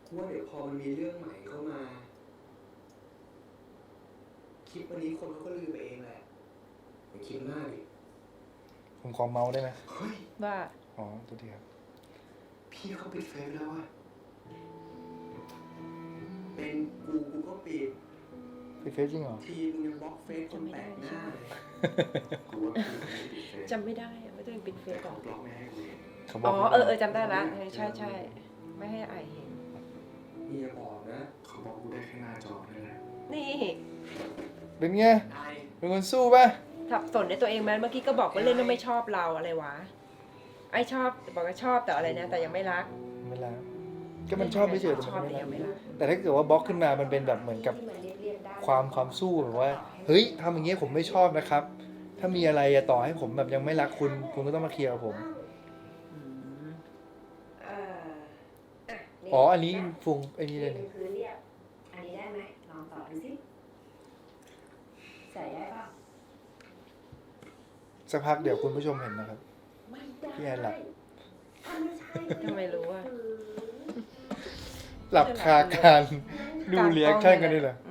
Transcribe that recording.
ว่าเดี๋ยวพอมันมีเรื่องใหม่เข้ามาคลิปวันนี้คนเขาก็ลืมไปเองแหละอย่าคิดมากดิผมขอเมาส์ได้ไหมเฮ้ยว่าอ๋อตัวเดียวพี่เขาปิดเฟซแล้วอะเป็นกูก็ปิดปิดเฟซจริงเหรอทีมึงยังบล็อกเฟซคนแปลกหน้าเลยกูว่าพี่เขาไม่ได้ปิดเฟซจำไม่ได้อะว่าตัวเองปิดเฟแต่ซหรเขาอบล็อกไม่ให้กูเห็นเขาบอ๋อกอจำได้ละใช่ไม่ให้ไอเห็นนี่อย่าบอกนะเขาบอกกูได้แค่หน้าจอนั่นแหละนี่เป็นไงไอ้เป็นคนสู้ป่ะสับสนในตัวเองไหมเมื่อกี้ก็บอกว่าเล่นแล้วไม่ชอบเราอะไรวะไอชอบบอกว่าชอบแต่อะไรนะแต่ยังไม่รักไม่ละก็มันชอบไม่เฉยชอบแต่ยังไม่รักแต่ถ้าเกิดว่าบล็อกขึ้นมามันเป็นแบบเหมือนกับความสู้แบบว่าเฮ้ยทำอย่างเงี้ยผมไม่ชอบนะครับ ถ้ามีอะไรอะต่อให้ผมแบบยังไม่รักคุณก็ต้องมาเคลียร์กับผม อ๋ออันนี้ฟุงไอ้นี่เลยนี่พื้นเรียบอันนี้ได้ไหมลองต่อดูสิใส่ได้ป่ะสักพักเดี๋ยวคุณผู้ชมเห็นนะครับไม่ได้พี่แอนหลับถ้าไม่ใช่ทำไมรู้อะหลับคาการดูเรีแอคชั่นกันนี่เหรออื